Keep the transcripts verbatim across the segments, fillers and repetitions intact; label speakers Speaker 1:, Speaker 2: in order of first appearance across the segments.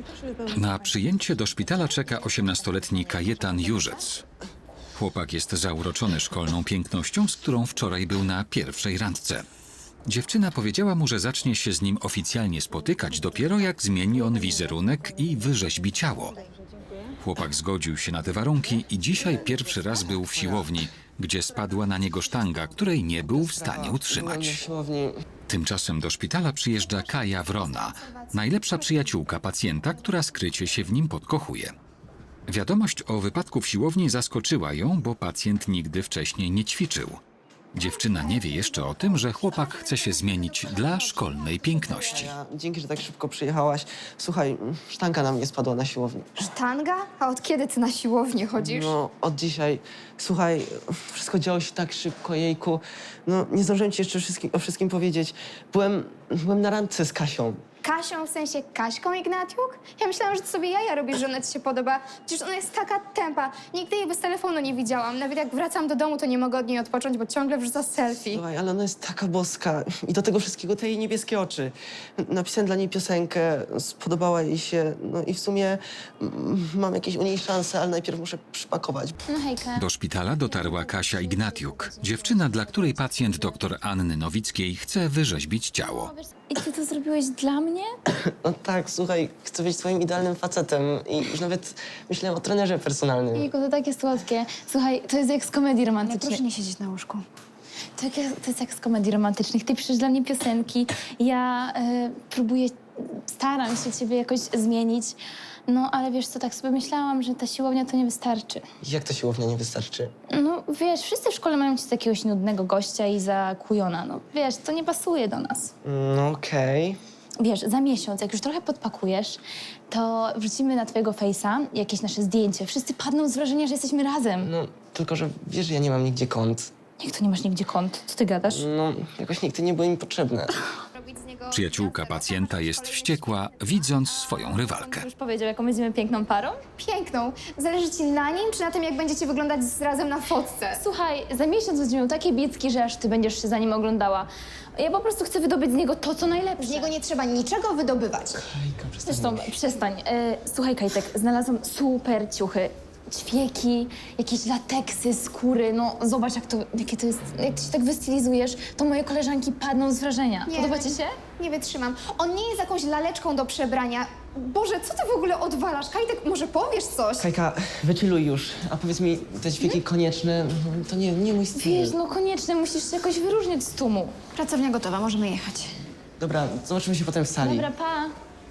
Speaker 1: Na przyjęcie do szpitala czeka osiemnastoletni Kajetan Jurzec. Chłopak jest zauroczony szkolną pięknością, z którą wczoraj był na pierwszej randce. Dziewczyna powiedziała mu, że zacznie się z nim oficjalnie spotykać dopiero jak zmieni on wizerunek i wyrzeźbi ciało. Chłopak zgodził się na te warunki i dzisiaj pierwszy raz był w siłowni, gdzie spadła na niego sztanga, której nie był w stanie utrzymać. Tymczasem do szpitala przyjeżdża Kaja Wrona, najlepsza przyjaciółka pacjenta, która skrycie się w nim podkochuje. Wiadomość o wypadku w siłowni zaskoczyła ją, bo pacjent nigdy wcześniej nie ćwiczył. Dziewczyna nie wie jeszcze o tym, że chłopak chce się zmienić dla szkolnej piękności.
Speaker 2: Ja, dzięki, że tak szybko przyjechałaś. Słuchaj, sztanka na mnie spadła na siłowni.
Speaker 3: Sztanga? A od kiedy ty na siłownię chodzisz?
Speaker 2: No, od dzisiaj. Słuchaj, wszystko działo się tak szybko, jejku. No, nie zdążyłem ci jeszcze wszystkim, o wszystkim powiedzieć. Byłem, byłem na randce z Kasią.
Speaker 3: Kasią, w sensie Kaśką Ignatiuk? Ja myślałam, że to sobie jaja robisz, że ona ci się podoba. Przecież ona jest taka tempa. Nigdy jej bez telefonu nie widziałam. Nawet jak wracam do domu, to nie mogę od niej odpocząć, bo ciągle wrzuca selfie.
Speaker 2: Słuchaj, ale ona jest taka boska. I do tego wszystkiego te jej niebieskie oczy. Napisałem dla niej piosenkę, spodobała jej się. No i w sumie mm, mam jakieś u niej szanse, ale najpierw muszę przypakować.
Speaker 3: No hejka.
Speaker 1: Do szpitala dotarła Kasia Ignatiuk, dziewczyna, dla której pacjent dr Anny Nowickiej chce wyrzeźbić ciało.
Speaker 4: I ty to zrobiłeś dla mnie?
Speaker 2: No tak, słuchaj, chcę być twoim idealnym facetem. I już nawet myślałem o trenerze personalnym.
Speaker 4: Jejku, to takie słodkie. Słuchaj, to jest jak z komedii romantycznej.
Speaker 3: Proszę nie siedzieć na łóżku.
Speaker 4: To, jak, to jest jak z komedii romantycznych. Ty piszesz dla mnie piosenki, ja e, próbuję, staram się ciebie jakoś zmienić. No, ale wiesz co, tak sobie myślałam, że ta siłownia to nie wystarczy.
Speaker 2: Jak to siłownia nie wystarczy?
Speaker 4: No, wiesz, wszyscy w szkole mają ci jakiegoś nudnego gościa i za kujona. No, wiesz, to nie pasuje do nas.
Speaker 2: No okej.
Speaker 4: Wiesz, za miesiąc, jak już trochę podpakujesz, to wrzucimy na twojego fejsa jakieś nasze zdjęcie. Wszyscy padną z wrażenia, że jesteśmy razem.
Speaker 2: No, tylko że wiesz, że ja nie mam nigdzie kont.
Speaker 4: Jak to nie masz nigdzie kont? Co ty gadasz?
Speaker 2: No, jakoś nigdy nie były mi potrzebne.
Speaker 1: Przyjaciółka pacjenta jest wściekła, widząc swoją rywalkę.
Speaker 4: Już powiedział, jaką będziemy piękną parą?
Speaker 3: Piękną. Zależy ci na nim, czy na tym, jak będziecie wyglądać razem na fotce?
Speaker 4: Słuchaj, za miesiąc będziesz miał takie bicki, że aż ty będziesz się za nim oglądała. Ja po prostu chcę wydobyć z niego to, co najlepsze.
Speaker 3: Z niego nie trzeba niczego wydobywać.
Speaker 2: Kajka, przestań.
Speaker 4: Zresztą, przestań. E, słuchaj, Kajtek, znalazłam super ciuchy. Ćwieki, jakieś lateksy, skóry, no zobacz, jak to, jakie to jest, jak ty się tak wystylizujesz, to moje koleżanki padną z wrażenia.
Speaker 3: Nie,
Speaker 4: Podoba ci się?
Speaker 3: Nie wytrzymam. On nie jest jakąś laleczką do przebrania. Boże, co ty w ogóle odwalasz? Kajtek, może powiesz coś?
Speaker 2: Kajka, wychilluj już. A powiedz mi, te ćwieki konieczne, no, to nie, nie mój styl.
Speaker 4: Wiesz, no koniecznie musisz się jakoś wyróżnić z tłumu.
Speaker 3: Pracownia gotowa, możemy jechać.
Speaker 2: Dobra, zobaczymy się potem w sali.
Speaker 4: Dobra, pa.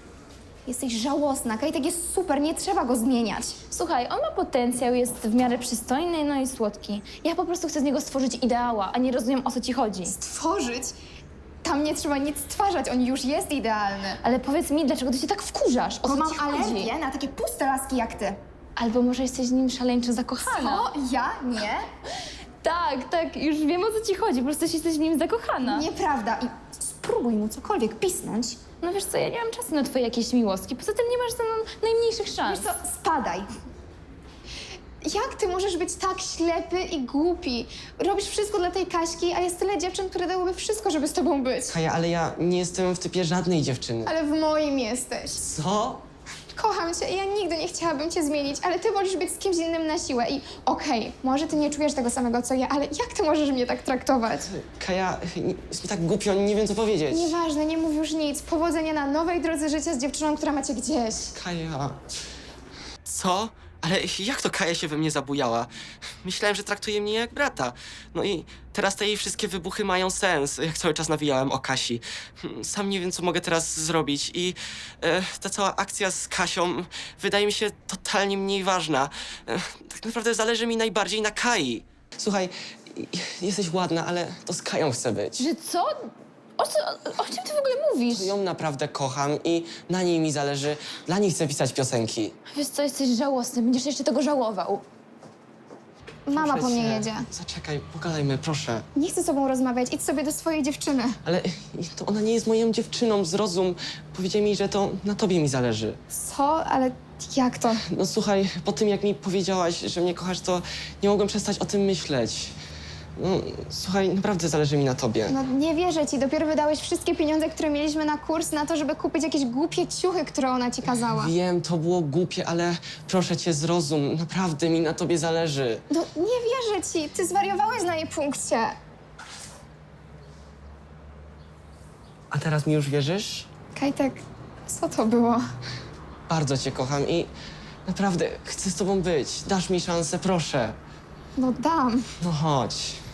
Speaker 3: Jesteś żałosna. Kajtek jest super, nie trzeba go zmieniać.
Speaker 4: Słuchaj, on ma potencjał, jest w miarę przystojny, no i słodki. Ja po prostu chcę z niego stworzyć ideała, a nie rozumiem, o co ci chodzi.
Speaker 3: Tworzyć? Tam nie trzeba nic stwarzać, on już jest idealny.
Speaker 4: Ale powiedz mi, dlaczego ty się tak wkurzasz? O
Speaker 3: Bo
Speaker 4: co
Speaker 3: mam
Speaker 4: ci chodzi?
Speaker 3: alergię na takie puste laski jak ty.
Speaker 4: Albo może jesteś z nim szaleńczo zakochana?
Speaker 3: O, ja? Nie?
Speaker 4: Tak, tak, już wiem, o co ci chodzi, po prostu jesteś w nim zakochana.
Speaker 3: Nieprawda. I spróbuj mu cokolwiek pisnąć.
Speaker 4: No wiesz co, ja nie mam czasu na twoje jakieś miłostki, poza tym nie masz ze mną najmniejszych szans.
Speaker 3: Wiesz co, spadaj. Jak ty możesz być tak ślepy i głupi? Robisz wszystko dla tej Kaśki, a jest tyle dziewczyn, które dałyby wszystko, żeby z tobą być.
Speaker 2: Kaja, ale ja nie jestem w typie żadnej dziewczyny.
Speaker 3: Ale w moim jesteś.
Speaker 2: Co?
Speaker 3: Kocham cię i ja nigdy nie chciałabym cię zmienić, ale ty wolisz być z kimś innym na siłę i okej, może ty nie czujesz tego samego co ja, ale jak ty możesz mnie tak traktować?
Speaker 2: Kaja, jest mi tak głupio, nie wiem co powiedzieć.
Speaker 3: Nieważne, nie mów już nic. Powodzenia na nowej drodze życia z dziewczyną, która macie gdzieś.
Speaker 2: Kaja... Co? Ale jak to Kaja się we mnie zabujała? Myślałem, że traktuje mnie jak brata. No i teraz te jej wszystkie wybuchy mają sens, jak cały czas nawijałem o Kasi. Sam nie wiem, co mogę teraz zrobić i e, ta cała akcja z Kasią wydaje mi się totalnie mniej ważna. E, tak naprawdę zależy mi najbardziej na Kai. Słuchaj, jesteś ładna, ale to z Kają chcę być.
Speaker 4: Że co? O, co? O czym ty w ogóle mówisz?
Speaker 2: Ją naprawdę kocham i na niej mi zależy. Dla niej chcę pisać piosenki.
Speaker 4: Wiesz co, jesteś żałosny, będziesz jeszcze tego żałował.
Speaker 3: Mama
Speaker 2: Proszę
Speaker 3: po mnie
Speaker 2: cię.
Speaker 3: jedzie.
Speaker 2: Zaczekaj, pogadajmy, proszę.
Speaker 3: Nie chcę z tobą rozmawiać, idź sobie do swojej dziewczyny.
Speaker 2: Ale to ona nie jest moją dziewczyną, zrozum. Powiedziała mi, że to na tobie mi zależy.
Speaker 3: Co? Ale jak to?
Speaker 2: No słuchaj, po tym jak mi powiedziałaś, że mnie kochasz, to nie mogłem przestać o tym myśleć. No, słuchaj, naprawdę zależy mi na tobie.
Speaker 3: No nie wierzę ci, dopiero wydałeś wszystkie pieniądze, które mieliśmy na kurs, na to, żeby kupić jakieś głupie ciuchy, które ona ci kazała.
Speaker 2: Wiem, to było głupie, ale proszę cię, zrozum. Naprawdę mi na tobie zależy.
Speaker 3: No nie wierzę ci, ty zwariowałeś na jej punkcie.
Speaker 2: A teraz mi już wierzysz?
Speaker 3: Kajtek, co to było?
Speaker 2: Bardzo cię kocham i naprawdę chcę z tobą być. Dasz mi szansę, proszę.
Speaker 3: No dam.
Speaker 2: No chodź.